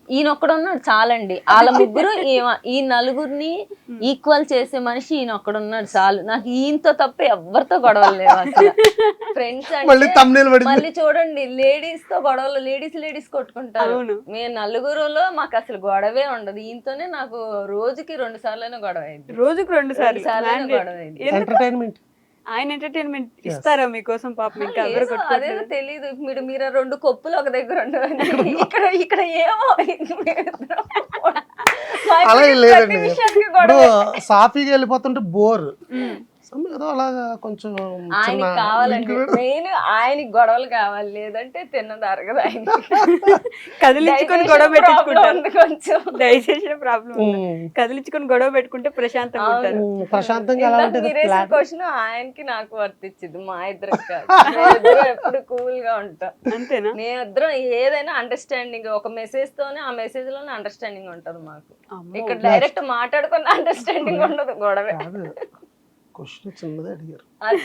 ఈయన ఒక్కడున్నాడు చాలండి. వాళ్ళ ముగ్గురు ఈ నలుగురిని ఈక్వల్ చేసే మనిషి ఈయన ఒక్కడున్నాడు చాలు. నాకు ఈయనతో తప్ప ఎవరితో గొడవలు లేవు అసలు. ఫ్రెండ్స్ అంటే మళ్ళీ చూడండి, లేడీస్ తో గొడవలు, లేడీస్ కొట్టుకుంటారు. మేము నలుగురులో మాకు అసలు గొడవే ఉండదు. ఈయనతోనే నాకు రోజుకి 2 సార్లు గొడవ అయింది. రోజుకి 2 సార్లు గొడవ అయింది. ఎంటర్టైన్మెంట్ ఆయన ఎంటర్టైన్మెంట్ ఇస్తారా మీకోసం పాపం? ఇంకా అదేదో తెలీదు. మీరు 2 కొప్పులు ఒక దగ్గర ఉండవు, ఇక్కడ ఏమో అలాగే లేదండి. ఇప్పుడు సాఫీగా వెళ్ళిపోతుంటే బోర్ ఏదో అలాగా కొంచెం ఆయనకి కావాలండి, మెయిన్ ఆయనకి గొడవలు కావాలి, లేదంటే తిన్నది అరగదు. ఆయన కదిలించుకొని గొడవ పెట్టుకుంటారు కొంచెం, డైజెషన్ ప్రాబ్లం. కదిలించుకొని గొడవ పెట్టుకుంటే ప్రశాంతంగా ఉంటారు. ప్రశాంతంగా క్వశ్చన్ ఆయనకి నాకు వర్తించింది. మా ఇద్దరు ఎప్పుడు కూల్ గా ఉంటాం. అంతేనా? మేమిద్దరం ఏదైనా అండర్స్టాండింగ్, ఒక మెసేజ్ తోనే ఆ మెసేజ్ లోనే అండర్స్టాండింగ్ ఉంటది మాకు. ఇక్కడ డైరెక్ట్ మాట్లాడుకున్న అండర్స్టాండింగ్ ఉండదు, గొడవే. క్వశ్చన్ చిన్నదే అడిగారు,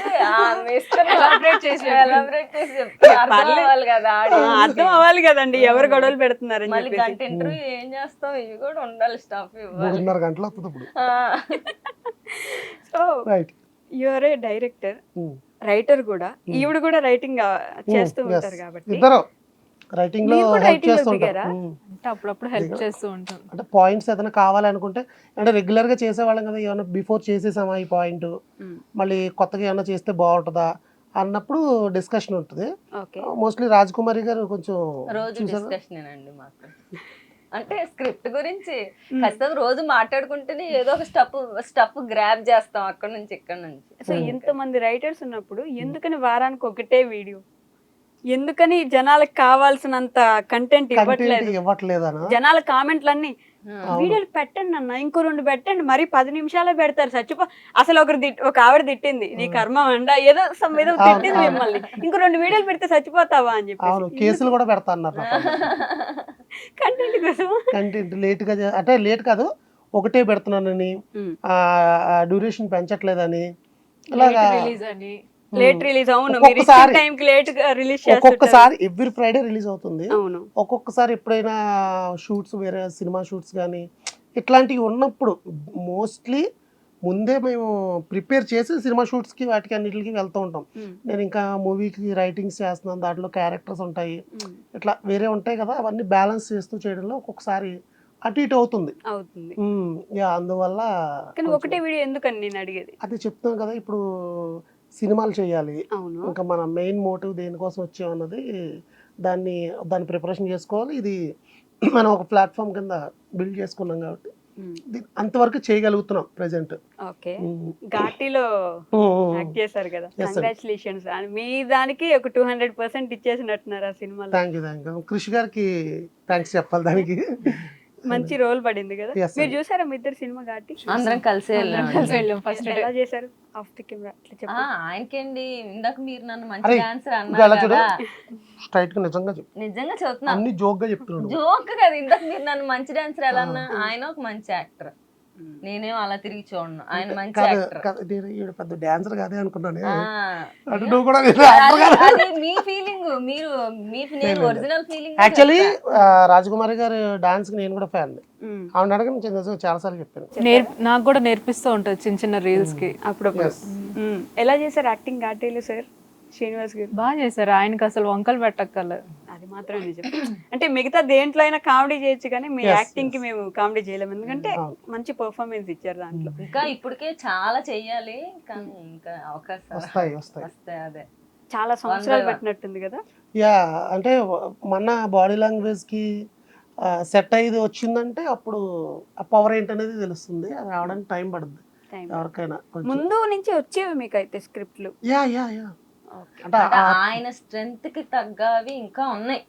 అర్థం అవ్వాలి కదండి ఎవరు గొడవలు పెడుతున్నారు. మళ్ళీ గంట ఇంటర్వ్యూ ఏం చేస్తాం, ఇవి కూడా ఉండాలి, స్టాఫ్ 3.5 గంటలు వస్తుంది. So you're a director, writer కూడా. ఈవిడ కూడా రైటింగ్ చేస్తూ ఉంటారు కాబట్టి ఇద్దరు రైటింగ్ లో హెల్ప్ చేస్తూ ఉంటారు. అప్పుడప్పుడు హెల్ప్ చేస్తూ ఉంటాం. అంటే పాయింట్స్ ఏదైనా కావాలనుకుంటే, అంటే రెగ్యులర్ గా చేసేవాళ్ళం కదా, ఏమైనా బిఫోర్ చేసేసామా ఈ పాయింట్, మళ్ళీ కొత్తగా ఏమైనా చేస్తే బాగుంటుందా అన్నప్పుడు డిస్కషన్ ఉంటుంది. మోస్ట్లీ రాజ్ కుమారి గారు కొంచెం రోజు డిస్కషన్ అండి మాకు. అంటే స్క్రిప్ట్ గురించి ఖచ్చితంగా రోజు మాట్లాడుకుంటేనే ఏదో ఒక స్టఫ్ గ్రాబ్ చేస్తాం అక్కడ నుంచి ఇక్కడ నుంచి. సో ఇంతమంది రైటర్స్ ఉన్నప్పుడు ఎందుకని వారానికి ఒకటే వీడియో, ఎందుకని జనాలకు కావాల్సినంత కంటెంట్ ఇవ్వట్లేదు? జనాల కామెంట్లన్నీ వీడియోలు పెట్టండి అన్న, ఇంకో 2 పెట్టండి, మరి 10 నిమిషాలే పెడతారు. అసలు ఒక ఆవిడ తిట్టింది, నీ కర్మ అండ ఏదో తిట్టింది మిమ్మల్ని, ఇంకో 2 వీడియోలు పెడితే చచ్చిపోతావా అని చెప్పి కేసులు కూడా పెడతా అన్నారు. కంటెంట్ కోసం కంటెంట్ లేట్ గా, అంటే లేట్ కాదు, ఒకటే పెడుతున్నానని, డ్యూరేషన్ పెంచట్లేదని, అలాగా లేట్ రిలీజ్. అవును, ఒక్కొక్కసారి ఎవ్రీ ఫ్రైడే రిలీజ్ అవుతుంది. ఒక్కొక్కసారి ఎప్పుడైనా షూట్స్, వేరే సినిమా షూట్స్ కానీ ఇట్లాంటివి ఉన్నప్పుడు మోస్ట్లీ ముందే మేము ప్రిపేర్ చేసి సినిమా షూట్స్కి వాటికి అన్నిటికి వెళ్తూ ఉంటాం. నేను ఇంకా మూవీకి రైటింగ్స్ చేస్తున్నాను, దాంట్లో క్యారెక్టర్స్ ఉంటాయి, ఇట్లా వేరే ఉంటాయి కదా, అవన్నీ బ్యాలెన్స్ చేస్తూ చేయడంలో ఒక్కొక్కసారి అటు ఇటు అవుతుంది. అందువల్ల ఒకటే వీడియో ఎందుకని నేను అడిగేది అది చెప్తాం కదా. ఇప్పుడు సినిమాలు చేయాలి, ఇంకా మన మెయిన్ మోటివ్ దేనికోసం వచ్చామన్నది, దాన్ని ప్రిపరేషన్ చేసుకోవాలి. ఇది మనం ఒక ప్లాట్ఫామ్ కింద బిల్డ్ చేసుకున్నాం కాబట్టి అంతవరకు చేయగలుగుతున్నాం ప్రెసెంట్. ఓకే, ఘాటీలో యాక్ట్ చేశారు కదా, కంగ్రాచులేషన్స్. మీ దానికి ఒక 200% ఇచ్చేసినట్టున్నారు ఆ సినిమాలో. Thank you. కృషి గారికి థ్యాంక్స్ చెప్పాలి దానికి. మంచి రోల్ పడింది కదా. మీరు చూసారా మీ ఇద్దరు సినిమా ఘాటి? అందరం కలిసి వెళ్ళాం. ఫస్ట్ ఎలా చేశారు ఆఫ్ ది కెమెరా? ఆయనకేండి, ఇందాక మీరు నన్ను మంచి డాన్సర్ అన్నారు, స్ట్రైట్ గా నిజంగా చెప్తున్నా, అన్ని జోక్ గా చెప్తున్నాను. జోక్ కదా. ఇందాక మీరు నన్ను మంచి డాన్సర్ ఎలా అన్నా, ఆయన ఒక మంచి యాక్టర్, నేనేం అలా తిరిగి చూడను, ఆయన మంచి యాక్టర్. పెద్ద డాన్సర్ కాదే అనుకున్నాను. అది మీ ఫీలింగ్, నేను ఒరిజినల్ ఫీలింగ్. యాక్చువల్లీ రాజకుమారి గారి డాన్స్ కి నేను కూడా ఫ్యాన్. ఆవిడ అడగని చాలా సార్లు చెప్పాను. నాకు కూడా నేర్పిస్తూ ఉంటుంది చిన్న చిన్న రీల్స్ కి అప్పుడప్పుడు. ఎలా చేశారు యాక్టింగ్ ఘాటీలో సార్? శ్రీనివాస్ గారు బాగా చేశారు. ఆయనకి అసలు వంకలు పెట్టక్కర్లేదు. అది మాత్రం నిజం. అంటే మిగతా దేంట్లో అయినా కామెడీ చేయొచ్చు, కానీ మీ యాక్టింగ్ కి మేము కామెడీ చేయలేము, ఎందుకంటే మంచి పర్ఫార్మెన్స్ ఇచ్చారు దాంట్లో. ఇంకా ఇప్పటికే చాలా చెయ్యాలి, కానీ ఇంకా అవకాశం వస్తాయి. అదే చాలా సంవత్సరాలు పెట్టినట్టుంది కదా. అంటే మన బాడీ లాంగ్వేజ్ కి సెట్ అయ్యేది వచ్చిందంటే అప్పుడు ఆ పవర్ ఏంటనేది తెలుస్తుంది. అది రావడానికి టైం పడుతుంది ఎవరికైనా. ముందు నుంచి వచ్చేవి మీకు అయితే స్క్రిప్ట్లు? అంటే ఆయన స్ట్రెంగ్త్ కి తగ్గవి ఇంకా ఉన్నాయి,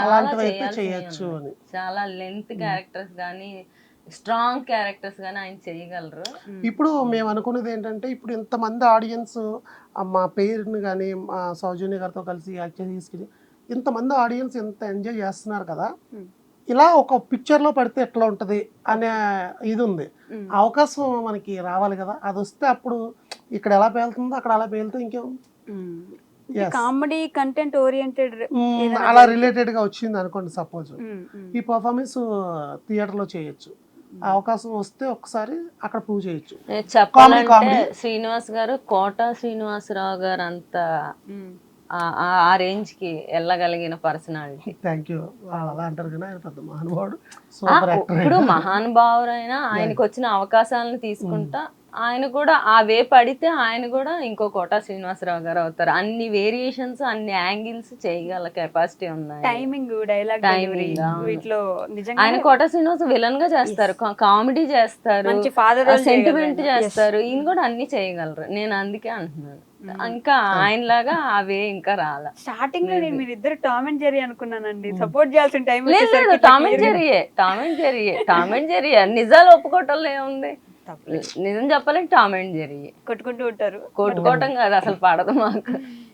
చాలా లెంత్ క్యారెక్టర్స్ గానీ, స్ట్రాంగ్ క్యారెక్టర్స్ గానీ ఆయన చేయగలరు. ఇప్పుడు మేము అనుకునేది ఏంటంటే, ఇప్పుడు ఇంతమంది ఆడియన్స్ మా పేరుని కానీ మా సౌజన్య గారితో కలిసి యాక్ట్ తీసుకుని ఇంతమంది ఆడియన్స్ ఎంత ఎంజాయ్ చేస్తున్నారు కదా, ఇలా ఒక పిక్చర్ లో పడితే ఎట్లా ఉంటది అనే ఇది ఉంది. అవకాశం మనకి రావాలి కదా, అది వస్తే అప్పుడు ఇక్కడ ఎలా పేలుతుందో అక్కడ అలా పేలుతూ ఇంకేం కామెడీ కంటెంట్ ఓరియంటెడ్ అలా రిలేటెడ్ గా వచ్చింది అనుకోండి సపోజ్, ఈ పర్ఫార్మెన్స్ థియేటర్ లో చేయొచ్చు, ఆ అవకాశం వస్తే ఒకసారి అక్కడ ప్రూవ్ చేయొచ్చు. చెప్పాలంటే శ్రీనివాస్ గారు కోట శ్రీనివాసరావు గారు అంత ఆ రేంజ్ కి వెళ్ళగలిగిన పర్సనాలిటీ. Thank you. అలా అంటారు కానీ ఆయన పెద్ద మహానుభావుడు, సూపర్ యాక్టర్. ఇప్పుడు మహానుభావురైనా ఆయనకు వచ్చిన అవకాశాలను తీసుకుంటా ఆయన కూడా ఆ వే పడితే ఆయన కూడా ఇంకో కోట శ్రీనివాసరావు గారు అవుతారు. అన్ని వేరియేషన్స్ అన్ని యాంగిల్స్ చేయగల కెపాసిటీ ఉన్నాయి. టైమింగ్, డైలాగ్, వీటిలో నిజంగా ఆయన కోట శ్రీనివాస్ విలన్ గా చేస్తారు, కామెడీ చేస్తారు, మంచి ఫాదర్ సెంటిమెంట్ చేస్తారు, ఈయన కూడా అన్ని చేయగలరు. నేను అందుకే అంటున్నాను ఇంకా ఆయనలాగా అవే ఇంకా రాలా. స్టార్టింగ్ లో నేను మీరిద్దరు టామ్ అండ్ జెర్రీ అనుకున్నానండి, సపోర్ట్ చేయాల్సిన టైం లేదు టామ్ అండ్ జెర్రీ నిజాలు ఒప్పుకోవటంలో ఏముంది, నిజం చెప్పాలంటే టామ్ అండ్ జెర్రీ కొట్టుకుంటూ ఉంటారు. కొట్టుకోవటం కాదు అసలు పడదు మాకు.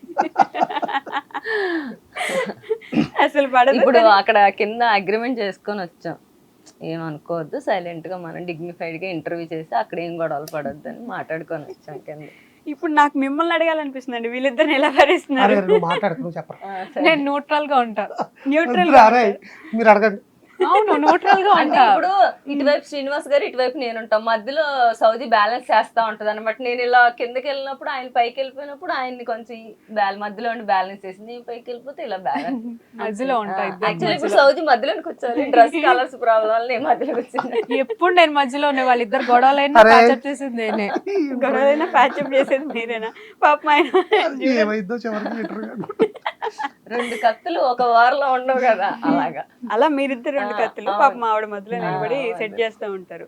అసలు పడదు. ఇప్పుడు అక్కడ కింద అగ్రిమెంట్ చేసుకొని వచ్చాం, ఏమనుకోవద్దు సైలెంట్ గా మనం డిగ్నిఫైడ్ గా ఇంటర్వ్యూ చేసి అక్కడ ఏం గొడవలు పడొద్దు అని మాట్లాడుకొని వచ్చాం కింద. ఇప్పుడు నాకు మిమ్మల్ని అడగాలనిపిస్తుంది, వీళ్ళిద్దరిని ఎలా భరిస్తున్నారు? నేను న్యూట్రల్ గా ఉంటా. న్యూట్రల్ మీరు అడగండి. అవును న్యూట్రల్ గా అంటే ఉంటా. ఇప్పుడు ఇటువైపు శ్రీనివాస్ గారు ఇటువైపు నేను ఉంటాం, మధ్యలో సౌదీ బ్యాలెన్స్ చేస్తా ఉంటది అనమాట. నేను ఇలా కిందకి వెళ్ళినప్పుడు ఆయన పైకి వెళ్ళిపోయినప్పుడు ఆయన్ని కొంచెం మధ్యలో బ్యాలెన్స్ చేసి నేను పైకి వెళ్ళిపోతే ఇలా బ్యాలెన్స్ మధ్యలో ఉంటా. యాక్చువల్లీ ఇప్పుడు సౌదీ మధ్యలోకి కూర్చోవాలి, డ్రెస్ కలర్స్ ప్రాబ్లం వల్ల నేను మధ్యలో కూర్చున్నా. ఎప్పుడు నేను మధ్యలో ఉన్న వాళ్ళిద్దరు గొడవలైనా ప్యాచప్ చేసింది నేనే. గొడవలైనా ప్యాచప్ చేసేది మీరేనా? పాపం ఆయన ఏమైందో చివరికి రెండు కత్తులు ఒక వారంలో ఉండవు కదా, అలాగా అలా మీరిద్దరు రెండు కత్తులు పాపం ఆవిడ మధ్యలో నిలబడి సెట్ చేస్తూ ఉంటారు.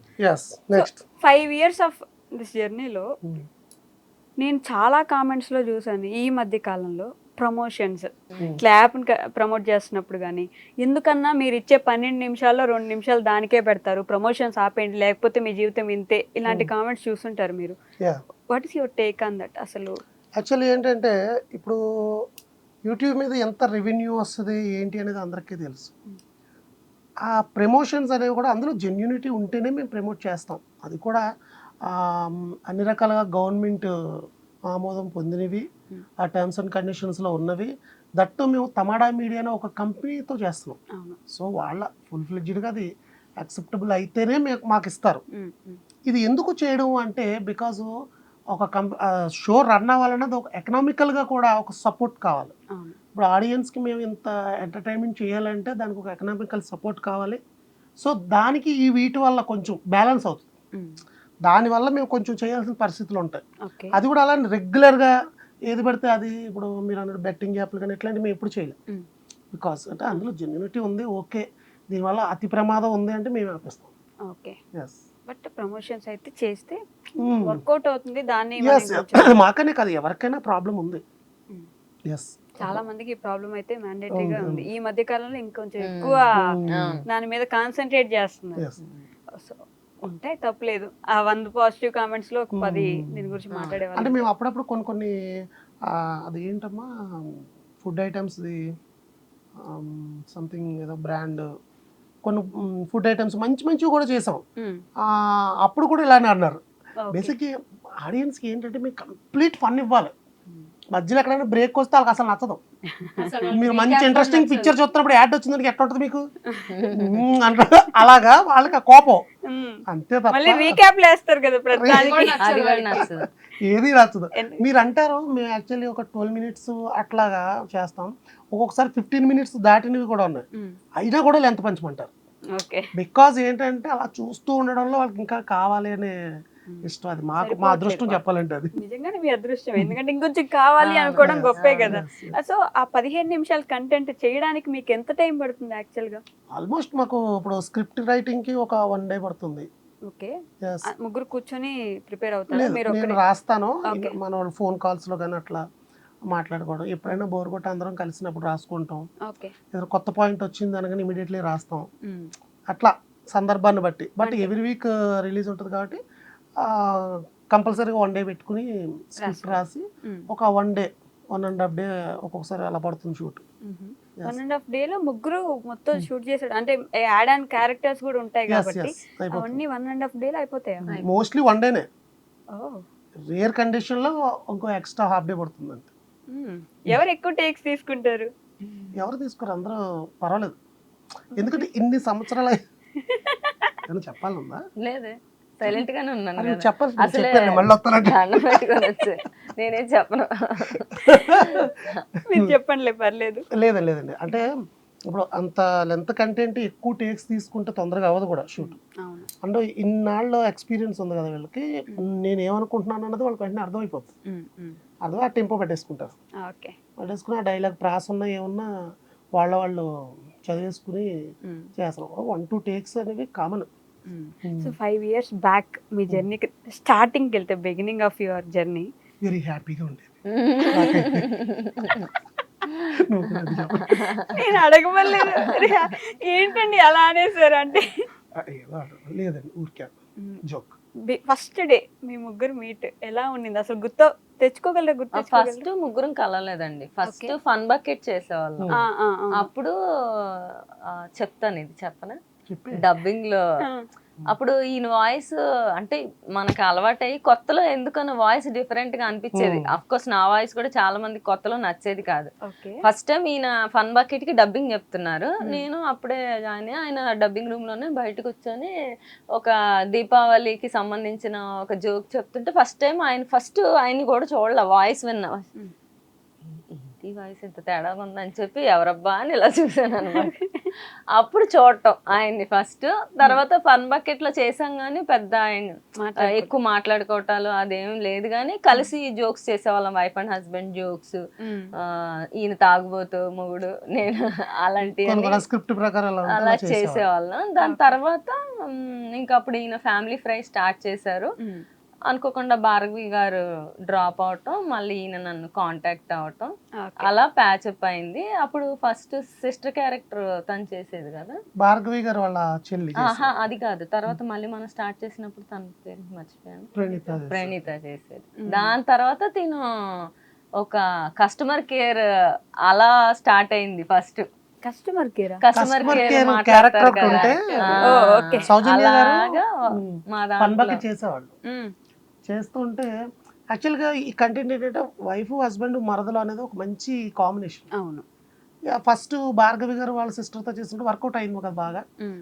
5 years ఆఫ్ దిస్ జర్నీలో నేను చాలా కామెంట్స్ లో చూసాను ఈ మధ్య కాలంలో, ప్రమోషన్స్ క్లాప్ ప్రమోట్ చేస్తున్నప్పుడు కానీ ఎందుకన్నా మీరు ఇచ్చే 12 నిమిషాల్లో 2 నిమిషాలు దానికే పెడతారు, ప్రమోషన్స్ ఆపేయండి లేకపోతే మీ జీవితం ఇంతే, ఇలాంటి కామెంట్స్ చూస్తుంటారు మీరు. What is your take on that? అసలు యాక్చువల్లీ ఏంటంటే ఇప్పుడు యూట్యూబ్ మీద ఎంత రెవెన్యూ వస్తుంది ఏంటి అనేది అందరికీ తెలుసు. ఆ ప్రమోషన్స్ అనేవి కూడా అందులో జెన్యూనిటీ ఉంటేనే మేము ప్రమోట్ చేస్తాం. అది కూడా అన్ని రకాలుగా గవర్నమెంట్ ఆమోదం పొందినవి, ఆ టర్మ్స్ అండ్ కండిషన్స్లో ఉన్నవి. దట్టు మేము తమాడా మీడియాలో ఒక కంపెనీతో చేస్తున్నాం. సో వాళ్ళ ఫుల్ ఫ్లెడ్జ్డ్గా అది యాక్సెప్టబుల్ అయితేనే మాకు ఇస్తారు. ఇది ఎందుకు చేయడం అంటే బికాజ్ ఒక షో రన్ అవ్వాలన్నది ఒక ఎకనామికల్గా కూడా ఒక సపోర్ట్ కావాలి. ఇప్పుడు ఆడియన్స్కి మేము ఇంత ఎంటర్టైన్మెంట్ చేయాలంటే దానికి ఒక ఎకనామికల్ సపోర్ట్ కావాలి. సో దానికి ఈ వీటి వల్ల కొంచెం బ్యాలెన్స్ అవుతుంది. దానివల్ల మేము కొంచెం చేయాల్సిన పరిస్థితులు ఉంటాయి. అది కూడా అలా రెగ్యులర్గా ఏది పడితే అది, ఇప్పుడు మీరు అన్నట్టు బెట్టింగ్ యాప్లు కానీ ఇట్లాంటివి మేము ఎప్పుడు చేయలేం. బికాస్ అంటే అందులో జెన్యూనిటీ ఉంది, ఓకే, దీనివల్ల అతి ప్రమాదం ఉంది అంటే మేము ఆపిస్తాం. ఓకే, బట్ ప్రమోషన్స్ అయితే చేస్తే వర్కౌట్ అవుతుంది. దాన్ని మాకనే కాదు ఎవరికైనా ప్రాబ్లం ఉంది. చాలా మందికి ఈ ప్రాబ్లం అయితే మ్యాండేటరీగా ఉంది. ఈ మధ్య కాలంలో ఇంకొంచెం ఎక్కువ దాని మీద కాన్సన్ట్రేట్ చేస్తున్నారు. సో ఉంటాయి, తప్పలేదు. ఆ 100 పాజిటివ్ కామెంట్స్ లో 10 దీని గురించి మాట్లాడేవాళ్ళు. అంటే మేము అప్పుడప్పుడు కొన్ని అది ఏంటమ్మా ఫుడ్ ఐటమ్స్ సంథింగ్ ఏదో బ్రాండ్ కొన్ని ఫుడ్ ఐటమ్స్ మంచివి కూడా చేసాం. అప్పుడు కూడా ఇలానే అన్నారు. బేసిక్గా ఆడియన్స్కి ఏంటంటే మీకు కంప్లీట్ ఫన్ ఇవ్వాలి. మధ్యలో ఎక్కడైనా బ్రేక్ వస్తే వాళ్ళకి అసలు నచ్చదు. మీరు మంచి ఇంట్రెస్టింగ్ పిక్చర్ చూస్తున్నప్పుడు యాడ్ వచ్చిందని ఎట్లా ఉంటుంది మీకు అంటారు. అలాగా వాళ్ళకి ఆ కోపం అంతే తప్ప ఏది నచ్చదు. మీరు అంటారు మేము యాక్చువల్లీ ఒక 12 minutes అట్లాగా చేస్తాం, ఒక్కొక్కసారి 15 minutes దాటినవి కూడా ఉన్నాయి, అయినా కూడా లెంత్ పంచమంటారు. బికాజ్ ఏంటంటే అలా చూస్తూ ఉండడంలో వాళ్ళకి ఇంకా కావాలి అనే ఇష్టం. అది మా అదృష్టం చెప్పాలంటే. అది నిజంగానే మీ అదృష్టం, ఎందుకంటే ఇంకొంచెం కావాలి అనుకోవడం గొప్పే కదా. సో ఆ 15 నిమిషాల కంటెంట్ చేయడానికి మీకు ఎంత టైం పడుతుంది యాక్చువల్ గా? ఆల్మోస్ట్ మాకు ఇప్పుడు స్క్రిప్ట్ రైటింగ్ కి ఒక 1 day పడుతుంది. ఓకే, ముగ్గురు కూర్చొని ప్రిపేర్ అవుతారు? నేను రాస్తాను, మన ఫోన్ కాల్స్ లో కానీ అట్లా మాట్లాడుకోవడం. ఎప్పుడైనా బోర్ కొట్టి అందరం కలిసినప్పుడు రాసుకుంటాం. ఏదైనా కొత్త పాయింట్ వచ్చింది అనగానే ఇమీడియట్లీ రాస్తాం. అట్లా సందర్భాన్ని బట్టి. బట్ ఎవ్రీ వీక్ రిలీజ్ ఉంటుంది కాబట్టి కంపల్సరీగా 1 day పెట్టుకుని స్క్రిప్ట్ రాసి ఒక 1 day 1.5 day ఒక్కొక్కసారి అలా పడుతుంది షూట్. 1.5 day లో ముగ్గురు మొత్తం షూట్ చేసాడు అంటే యాడ్ అండ్ క్యారెక్టర్స్ కూడా ఉంటాయి కాబట్టి అవన్నీ 1.5 day లో అయిపోతాయి. Mostly 1 day. రేర్ కండిషన్ లో ఇంకో ఎక్స్ట్రా ½ day పడుతుంది అంతే. ఎవరు ఎక్కువ టేక్స్ తీసుకుంటారు? ఎవరు తీసుకోరు, అందరూ పర్వాలేదు. ఎందుకంటే ఇన్ని సంవత్సరాలు ఏమైనా చెప్పాలన్నా లేదే సైలెంట్ గానే ఉన్నాను అది కదా. చెప్పాలి, అసలే చెప్పాను మళ్ళీ వస్తానంటే. దండం పెట్టుకొని వచ్చే నేనేం చెప్పను. మీరు చెప్పండిలే పర్లేదు. లేదండి, అంటే ఇప్పుడు అంత లెంత్ కంటెంట్ ఎక్కువ టేక్స్ తీసుకుంటే తొందరగా అవ్వదు కూడా షూట్. అవును. అంటే ఇన్నాళ్ళు ఎక్స్పీరియన్స్ ఉంది కదా వీళ్ళకి, నేను ఏమనుకుంటున్నాను అన్నది వాళ్ళకి వెంటనే అర్థమైపోతుంది. అర్థం ఆ టెంపో పెట్టేసుకుంటారు. ఓకే. పెట్టేసుకుని ఆ డైలాగ్ ప్రాస ఉన్నా ఏమన్నా వాళ్ళు చదివేసుకుని చేస్తారు. 1-2 టేక్స్ అనేవి కామన్. సో 5 years బ్యాక్ మీ జర్నీకి స్టార్టింగ్కి వెళ్తే, beginning of your journey very హ్యాపీగా ఉండేది. నేను అడగమలేదు. ఏంటండి అలా అనేసారు అంటే? లేదండి, ఊరికే జోక్. ఫస్ట్ డే మీ ముగ్గురు మీట్ ఎలా ఉండింది అసలు? తెచ్చుకోగలరా? ఫస్ట్ ముగ్గురం కలవలేదండి. ఫస్ట్ ఫన్ బకెట్ చేసేవాళ్ళం. అప్పుడు చెప్తాను, ఇది చెప్పనా, డబ్బింగ్ లో అప్పుడు ఈయన వాయిస్ అంటే మనకు అలవాటయ్యి కొత్తలో ఎందుకన్నా వాయిస్ డిఫరెంట్ గా అనిపించేది. అఫ్ కోర్స్ నా వాయిస్ కూడా చాలా మంది కొత్తలో నచ్చేది కాదు. ఫస్ట్ టైం ఈయన ఫన్ బకెట్ కి డబ్బింగ్ చెప్తున్నారు. నేను అప్పుడే జాయిన్ అయ్యి ఆయన డబ్బింగ్ రూమ్ లోనే బయటకు వచ్చి ఒక దీపావళికి సంబంధించిన ఒక జోక్ చెప్తుంటే ఫస్ట్ టైం ఆయన్ని కూడా చూడలే, వాయిస్ విన్నా. ఏంటి వాయిస్ ఇంత తేడాగా ఉందని చెప్పి ఎవరబ్బా అని ఇలా చూసాను అనమాట. అప్పుడు చూడటం ఆయన్ని ఫస్ట్. తర్వాత ఫన్ బకెట్ లో చేసాం గానీ పెద్ద ఆయన ఎక్కువ మాట్లాడుకోవటాలు అదేం లేదు, కానీ కలిసి జోక్స్ చేసేవాళ్ళం. వైఫ్ అండ్ హస్బెండ్ జోక్స్, ఈయన తాగుబోతు మొగుడు, నేను అలాంటి స్క్రిప్ట్ ప్రకారం అలా చేసేవాళ్ళం. దాని తర్వాత ఇంకా అప్పుడు ఈయన ఫ్యామిలీ ఫ్రై స్టార్ట్ చేశారు. అనుకోకుండా భార్గవి గారు డ్రాప్ అవటం, మళ్ళీ ఈయన నన్ను కాంటాక్ట్ అవటం, అలా ప్యాచప్ అయింది. అప్పుడు ఫస్ట్ సిస్టర్ క్యారెక్టర్ తను చేసేది కదా, భార్గవి గారు వాళ్ళ చెల్లి. అది కాదు, తర్వాత మళ్ళీ మనం స్టార్ట్ చేసినప్పుడు తన పేరు మర్చిపోయాను, ప్రణీత చేసేది. దాని తర్వాత తిను ఒక కస్టమర్ కేర్ అలా స్టార్ట్ అయింది. ఫస్ట్ కస్టమర్ కేర్ క్యారెక్టర్ ఉంటే సౌజన్య అలాగా మా దాంట్లో చేసేవాళ్ళు. చేస్తుంటే యాక్చువల్గా ఈ కంటెంట్ ఏంటంటే వైఫ్ హస్బెండ్ మరదలు అనేది ఒక మంచి కాంబినేషన్. అవును. ఫస్ట్ భార్గవి గారు వాళ్ళ సిస్టర్తో చేస్తుంటే వర్కౌట్ అయింది కదా బాగా.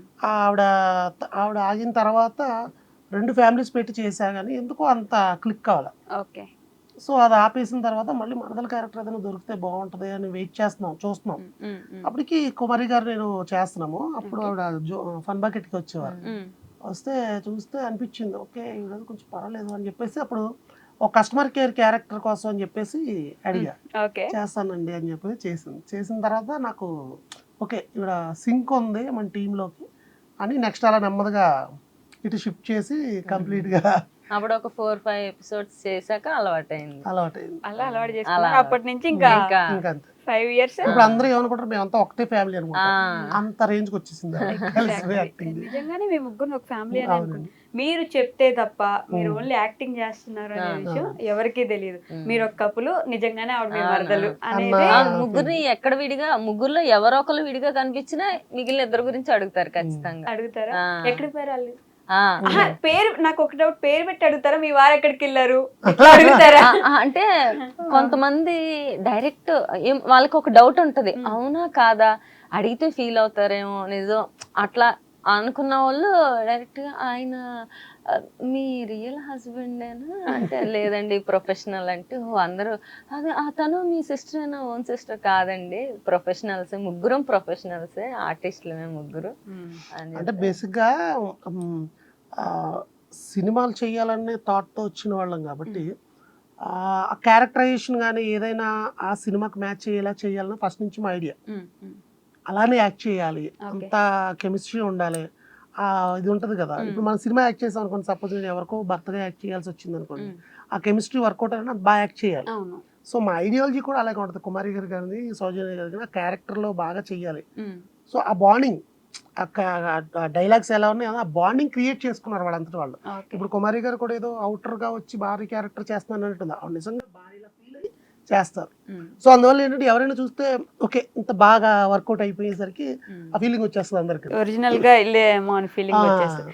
ఆవిడ ఆగిన తర్వాత 2 ఫ్యామిలీస్ పెట్టి చేశా కానీ ఎందుకో అంత క్లిక్ కావాలి. ఓకే. సో అది ఆపేసిన తర్వాత మళ్ళీ మరదల క్యారెక్టర్ ఏదైనా దొరికితే బాగుంటుంది అని వెయిట్ చూస్తున్నాం. అప్పటికి కుమారి గారు నేను చేస్తున్నాము. అప్పుడు ఆవిడ ఫన్ బకెట్కి వచ్చేవారు. వస్తే చూస్తే అనిపించింది ఓకే ఈరోజు కొంచెం పర్వాలేదు అని చెప్పేసి అప్పుడు ఒక కస్టమర్ కేర్ క్యారెక్టర్ కోసం అని చెప్పేసి అడిగా. చేస్తానండి అని చెప్పేసి చేసిన తర్వాత నాకు ఓకే ఇక్కడ సింక్ ఉంది మన టీంలోకి అని నెక్స్ట్ అలా నెమ్మదిగా ఇటు షిఫ్ట్ చేసి కంప్లీట్గా అప్పుడు ఒక 4-5 ఎపిసోడ్స్ చేశాక అలవాటైంది. అలా అలవాటు చేసుకున్నారు. అప్పటి నుంచి ఇంకా 5 years. ఇప్పుడు అందరూ ఏమనుకుంటారు మేమంతా ఒకటే ఫ్యామిలీ అనుకుంటాం, అంత రేంజ్ కి వచ్చేసింది. నిజంగానే మీ ముగ్గురు ఒక ఫ్యామిలీ అని అనుకుంటున్నాను. మీరు చెప్తే తప్ప మీరు ఓన్లీ యాక్టింగ్ చేస్తున్నారు అనే విషయం ఎవరికీ తెలియదు. మీరు ఒక కపులు, నిజంగానే ఆవిడ మీ వరదలు అనేది. ముగ్గురిని ఎక్కడ విడిగా, ముగ్గురులో ఎవరో ఒకరు విడిగా కనిపించినా మిగిలిన ఇద్దరు గురించి అడుగుతారు ఖచ్చితంగా. అడుగుతారా? ఎక్కడికి పోయారు వాళ్ళు? పేరు నాకు ఒక డౌట్, పేరు పెట్టి అడుగుతారా? మీ వారు ఎక్కడికి వెళ్ళారు అడుగుతారా? అంటే కొంతమంది డైరెక్ట్ వాళ్ళకి ఒక డౌట్ ఉంటది, అవునా కాదా అడిగితే ఫీల్ అవుతారేమో నిజం అట్లా అనుకున్న వాళ్ళు డైరెక్ట్ గా ఆయన మీ రియల్ హస్బెండేనా అంటే లేదండి ప్రొఫెషనల్ అంటే అందరూ అదే తను మీ సిస్టర్ అయినా ఓన్ సిస్టర్ కాదండి ప్రొఫెషనల్స్ ముగ్గురం ప్రొఫెషనల్సే ఆర్టిస్టులమే ముగ్గురు. అంటే బేసిక్గా సినిమాలు చేయాలనే థాట్తో వచ్చిన వాళ్ళం కాబట్టి ఆ క్యారెక్టరైజేషన్ కానీ ఏదైనా ఆ సినిమాకి మ్యాచ్ చేయాలా చేయాలని ఫస్ట్ నుంచి మా ఐడియా. అలానే యాక్ట్ చేయాలి, అంత కెమిస్ట్రీ ఉండాలి, ఇది ఉంటుంది కదా. ఇప్పుడు మనం సినిమా యాక్ట్ చేసాం అనుకోండి, సపోజ్ నేను ఎవరికో భర్తగా యాక్ట్ చేయాల్సి వచ్చింది అనుకోండి, ఆ కెమిస్ట్రీ వర్కౌట్ అయినా బాగా యాక్ట్ చేయాలి. సో మా ఐడియాలజీ కూడా అలాగే ఉంటుంది. కుమారి గారు కానీ సౌజన్య గారు కానీ ఆ క్యారెక్టర్లో బాగా చెయ్యాలి. సో ఆ బాండింగ్, డైలాగ్స్ ఎలా ఉన్నాయి ఆ బాండింగ్ క్రియేట్ చేసుకున్నారు వాళ్ళంతటి వాళ్ళు. ఇప్పుడు కుమారి గారు కూడా ఏదో అవుటర్గా వచ్చి భారీ క్యారెక్టర్ చేస్తున్నాను అంటుంది, ఆవిడ నిజంగా భారీలా ఫీల్ అయ్యి చేస్తారు. సో అందువల్ల ఏంటంటే ఎవరైనా చూస్తే ఓకే ఇంత బాగా వర్కౌట్ అయిపోయేసరికి ఆ ఫీలింగ్ వచ్చేస్తుంది అందరికి, ఒరిజినల్ గా ఇల్లేమో అని ఫీలింగ్ వచ్చేస్తుంది.